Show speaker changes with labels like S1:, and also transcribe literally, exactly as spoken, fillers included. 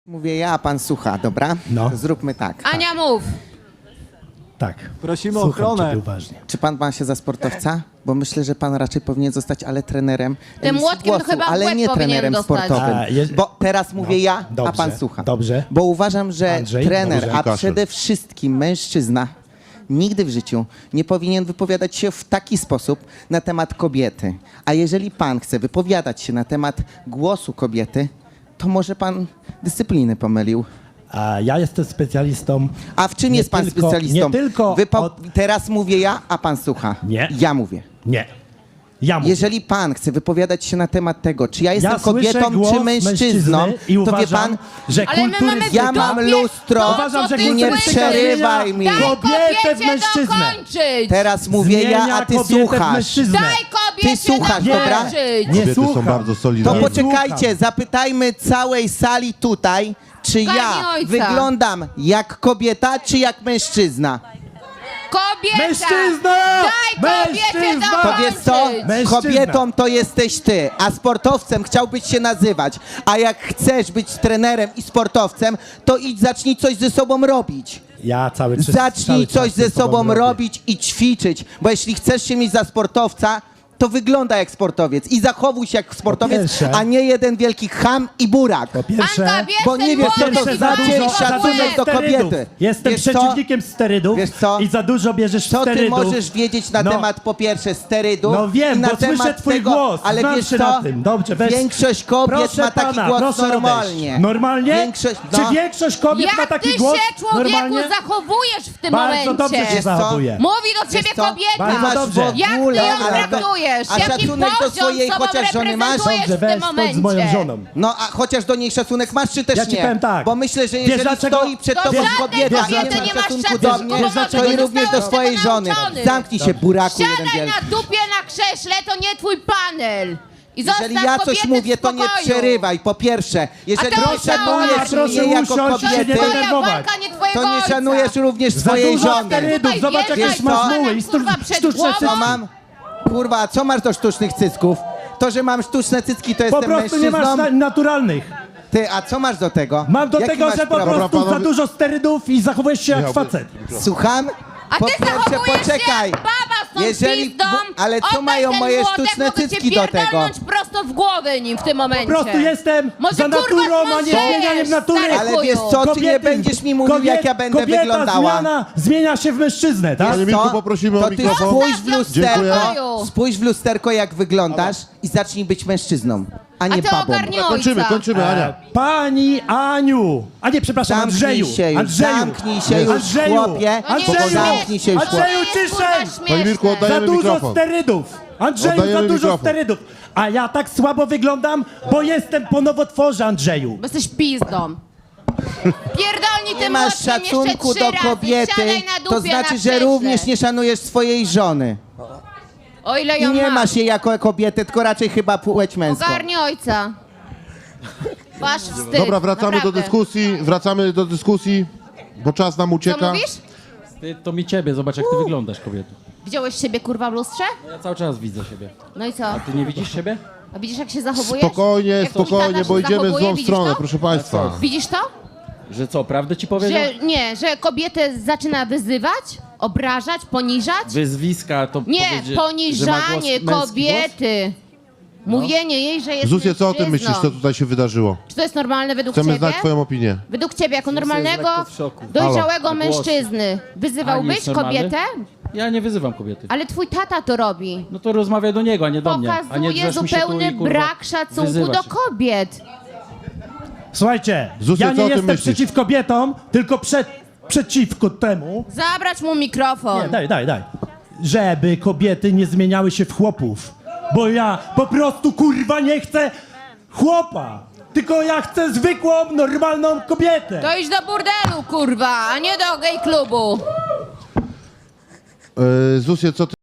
S1: Mówię ja, a pan słucha, dobra?
S2: No.
S1: Zróbmy tak.
S3: Ania, mów.
S2: Tak.
S4: Prosimy o
S2: Słucham
S4: ochronę.
S2: ciebie uważnie.
S1: Czy pan ma się za sportowca? Bo myślę, że pan raczej powinien zostać, ale trenerem
S3: Tym
S1: emisji
S3: młotkiem
S1: głosu,
S3: chyba w
S1: ale
S3: łeb
S1: nie
S3: powinien
S1: trenerem
S3: dostać.
S1: sportowym.
S2: A, je-
S1: Bo teraz mówię ja, a
S2: dobrze,
S1: pan słucha.
S2: dobrze.
S1: Bo uważam, że
S2: Andrzej,
S1: trener,
S2: dobrze.
S1: a
S5: Kaszel.
S1: przede wszystkim mężczyzna, nigdy w życiu nie powinien wypowiadać się w taki sposób na temat kobiety. A jeżeli pan chce wypowiadać się na temat głosu kobiety, to może pan dyscypliny pomylił.
S2: A ja jestem specjalistą.
S1: A w czym
S2: nie
S1: jest pan
S2: tylko-
S1: specjalistą?
S2: Nie tylko.
S1: Wypo-
S2: od...
S1: Teraz mówię ja, a pan słucha.
S2: Nie.
S1: Ja mówię.
S2: Nie. Ja mówię.
S1: Jeżeli pan chce wypowiadać się na temat tego, czy ja jestem
S2: Ja słyszę
S1: kobietą,
S2: głos
S1: czy mężczyzną,
S2: mężczyzny i
S1: to
S2: uważam,
S1: wie pan,
S2: że
S3: Ale my
S2: kulturyzm...
S3: mamy w
S1: ja mam
S3: dupie
S1: lustro.
S3: to,
S2: Uważam,
S3: co
S2: że
S3: ty
S1: i nie
S3: słyszysz.
S1: przerywaj mi.
S3: Daj
S2: Kobietę w
S3: kobiecie
S2: mężczyznę.
S3: dokończyć.
S1: Teraz mówię ja,
S2: Zmienia
S1: a ty
S2: kobietę w
S1: słuchasz.
S2: mężczyznę.
S3: Daj kobiecie
S1: Ty słuchasz,
S2: Nie.
S1: dobra?
S3: dokończyć.
S2: Nie
S5: Kobiety są
S2: słucham.
S5: bardzo
S1: To
S5: solidarne.
S2: Nie
S1: poczekajcie,
S2: słucham.
S1: zapytajmy całej sali tutaj, czy ja
S3: Karmi ojca.
S1: wyglądam jak kobieta, czy jak mężczyzna.
S3: Kobieta.
S2: Mężczyzna!
S3: Daj kobiecie
S2: Mężczyzna!
S1: To wiesz co?
S3: dokończyć.
S2: Mężczyzna.
S1: Kobietą to jesteś ty, a sportowcem chciałbyś się nazywać. A jak chcesz być trenerem i sportowcem, to idź zacznij coś ze sobą robić.
S2: Ja cały czas.
S1: Zacznij
S2: cały czas
S1: coś ze sobą
S2: robię.
S1: robić i ćwiczyć, bo jeśli chcesz się mieć za sportowca, to wygląda jak sportowiec i zachowuj się jak sportowiec,
S2: pierwsze-
S1: a nie jeden wielki cham i burak.
S2: Po pierwsze,
S3: Anka, bierz
S1: Bo nie
S3: ten
S1: wiesz, co to
S3: młotek
S2: pierwsze
S3: i
S2: za
S1: znaczy
S3: walcz
S2: dużo,
S3: o
S2: za
S1: szacunek
S2: dużo
S3: kobietę.
S1: do
S2: sterydów.
S1: kobiety.
S2: Jestem
S1: Wiesz co?
S2: przeciwnikiem sterydów
S1: Wiesz co?
S2: i za dużo bierzesz
S1: Co ty
S2: sterydów.
S1: możesz wiedzieć na
S2: No.
S1: temat po pierwsze sterydów
S2: No wiem,
S1: i na
S2: bo słyszę
S1: temat
S2: twój
S1: tego,
S2: głos,
S1: ale
S2: znam
S1: wiesz
S2: się
S1: co?
S2: na tym. Dobrze, weź.
S1: Większość kobiet
S2: Proszę
S1: ma taki
S2: pana,
S1: głos
S2: proszę odejść.
S1: normalnie.
S2: Normalnie?
S1: Większość,
S2: Czy
S1: no.
S2: większość kobiet ma
S3: Jak
S2: taki
S3: ty
S2: głos?
S3: się, człowieku,
S2: Normalnie?
S3: zachowujesz w tym
S2: Bardzo
S3: momencie?
S2: dobrze się
S1: Wiesz co?
S2: zachowuje.
S3: Mówi do ciebie
S1: Wiesz co?
S3: kobieta.
S2: Bardzo
S1: Masz
S2: dobrze.
S1: w
S3: Jak ty
S1: ogóle,
S3: ją
S1: ale to-
S3: traktujesz?
S1: a
S3: Jaki
S1: szacunek do
S3: poziom
S1: swojej
S3: sobą
S1: chociaż żony masz?
S3: reprezentujesz
S2: Dobrze,
S3: w tym
S2: weź stąd z moją
S3: momencie?
S2: żoną.
S1: No a chociaż do niej szacunek masz, czy też
S2: Ja ci
S1: nie?
S2: powiem tak.
S1: Bo myślę, że
S2: Wiesz
S1: jeżeli
S2: dlaczego?
S1: stoi przed
S3: Do
S1: tobą
S3: żadnej
S1: kobieta,
S2: kobiety
S1: nie
S2: nie
S1: ma
S3: masz
S1: szacunku
S3: szacunku,
S1: do
S3: bo
S1: mnie,
S3: może
S1: to i
S3: nie
S1: również do
S3: zostałeś
S1: swojej
S3: tego
S1: żony.
S3: nauczony.
S1: Zamknij się, buraku jeden
S3: Siadaj
S1: wielki.
S3: na dupie na krześle, to nie twój panel. I
S1: Jeżeli
S3: zostaw
S1: ja coś
S3: kobiety
S1: mówię,
S3: w
S1: to nie
S3: spokoju.
S1: przerywaj, po pierwsze. Jeżeli
S3: A to
S1: nie
S3: proszę
S1: szanujesz
S3: pana,
S2: proszę
S1: mnie jako
S2: usiąść, się nie
S1: kobiety,
S3: Twoja
S2: denerwować.
S3: walka, nie twojego
S1: to nie
S3: ojca.
S1: szanujesz również
S2: Za
S1: swojej
S2: dużo
S1: żony.
S2: sterydów,
S3: Tutaj
S2: zobacz
S3: wjeżdżaj
S2: jakieś masz
S3: panem,
S2: muły i
S3: kurwa,
S2: sztu-
S3: przed
S2: sztuczne
S3: głową.
S1: Co
S2: cycki.
S1: mam? Kurwa, a co masz do sztucznych cysków? To, że mam sztuczne cycki, to
S2: Po
S1: jestem
S2: prostu nie masz
S1: mężczyzną?
S2: na- naturalnych.
S1: Ty, a co masz do tego?
S2: Mam do
S1: Jaki
S2: tego,
S1: masz
S2: że po
S1: problem?
S2: prostu za
S5: panowie-
S2: dużo sterydów i zachowujesz się jak
S5: Miałby-
S2: facet.
S1: Słucham?
S3: A
S1: Po
S3: ty
S1: pierwsze,
S3: zachowujesz
S1: poczekaj.
S3: się jak baba z tą
S1: Jeżeli-
S3: pizdą.
S1: bo- ale co
S3: Oddaj
S1: mają
S3: ten
S1: moje
S3: młotek,
S1: sztuczne
S3: mogę cię
S1: cycki do tego?
S3: pierdolnąć prosto w głowę nim w tym momencie.
S2: Po prostu jestem
S3: Może,
S2: za
S3: kurwa,
S2: naturą, a nie
S3: zmądrzejesz,
S2: zmienianiem natury.
S3: stary
S1: Ale
S3: chuju.
S1: wiesz co, ty nie będziesz mi mówił, jak ja będę
S2: kobieta
S1: wyglądała.
S2: Zmiana, zmienia się w mężczyznę, tak?
S5: Panie
S1: Co?
S5: Mirku, poprosimy o
S1: To ty
S5: mikrofon.
S1: spójrz w
S3: Dziękuję.
S1: lusterko, spójrz w lusterko, jak wyglądasz i zacznij być mężczyzną, a
S3: A
S1: nie
S3: ty
S1: babą.
S3: ogarnij
S5: Kończymy,
S3: ojca.
S5: kończymy, Ania.
S2: Pani Aniu! A nie, przepraszam,
S1: Zamknij
S2: Andrzeju!
S1: się już,
S2: Andrzeju!
S1: zamknij się już,
S2: Andrzeju!
S1: chłopie.
S3: No nie
S2: Andrzeju!
S1: Zamknij się już,
S3: To nie
S2: Andrzeju,
S3: jest,
S2: ciszej!
S3: kurwa, śmieszne.
S5: Panie Mirku, oddaję-
S2: Za
S5: Dajemy
S2: dużo
S5: mikrofon.
S2: sterydów! Andrzeju, za
S5: Oddajemy
S2: dużo
S5: mikrofon.
S2: sterydów! A ja tak słabo wyglądam, bo jestem po nowotworze, Andrzeju!
S3: Bo jesteś pizdą. Pierdolnij
S1: Nie
S3: tym
S1: masz
S3: młotkiem
S1: szacunku
S3: jeszcze
S1: do
S3: trzy razy.
S1: kobiety,
S3: Siadaj na dupie
S1: to znaczy,
S3: na
S1: że
S3: krześle.
S1: również nie szanujesz swojej żony.
S3: O ile
S1: I
S3: ją
S1: nie
S3: masz.
S1: masz jej jako kobiety, tylko raczej chyba płeć męską.
S3: Ogarnij ojca. Wasz wstyd.
S5: Dobra, wracamy do
S3: naprawdę.
S5: dyskusji, wracamy do dyskusji, bo czas nam
S3: Co
S5: ucieka.
S3: mówisz?
S6: Ty, to mi ciebie, zobacz jak ty wyglądasz, kobieto.
S3: Widziałeś siebie kurwa w lustrze?
S6: Ja cały czas widzę siebie.
S3: No i co?
S6: Ty nie widzisz siebie?
S3: A widzisz jak się zachowujesz?
S5: Spokojnie,
S3: Jak twój
S5: spokojnie,
S3: tata
S5: bo
S3: się
S5: idziemy w
S3: zachowuje,
S5: złą
S3: widzisz
S5: stronę,
S3: to?
S5: proszę państwa.
S3: Widzisz to?
S6: Że co, prawdę ci powiedział?
S3: Że nie, że kobietę zaczyna wyzywać, obrażać, poniżać?
S6: Wyzwiska to
S3: Nie,
S6: powiedzieć, że ma
S3: poniżanie
S6: głos, męski
S3: kobiety. Mówienie jej, że jest
S5: Zusie, co o tym
S3: mężczyzną.
S5: myślisz, co tutaj się wydarzyło?
S3: Czy to jest normalne według
S5: Chcemy
S3: ciebie?
S5: znać twoją opinię.
S3: Według ciebie, jako normalnego,
S6: lekko w szoku.
S3: dojrzałego
S6: Halo, a głos?
S3: mężczyzny,
S6: A
S3: wyzywałbyś
S6: jest normalny?
S3: kobietę?
S6: Ja nie wyzywam kobiety.
S3: Ale twój tata to robi.
S6: No to rozmawiaj do niego, a nie do mnie. A nie
S3: Pokazuje
S6: drzesz mi się tu
S3: zupełny
S6: i, kurwa,
S3: brak szacunku
S6: wyzywać
S3: do
S6: się.
S3: kobiet.
S2: Słuchajcie,
S5: Zusie,
S2: ja
S5: co
S2: nie
S5: o tym
S2: jestem
S5: myślisz?
S2: przeciw kobietom, tylko przed, przeciwko temu,
S3: Zabrać mu mikrofon.
S2: nie, daj, daj, daj, żeby kobiety nie zmieniały się w chłopów. Bo ja po prostu, kurwa, nie chcę chłopa, tylko ja chcę zwykłą, normalną kobietę.
S3: To idź do burdelu, kurwa, a nie do gay klubu.
S5: Yy, Zusie, co ty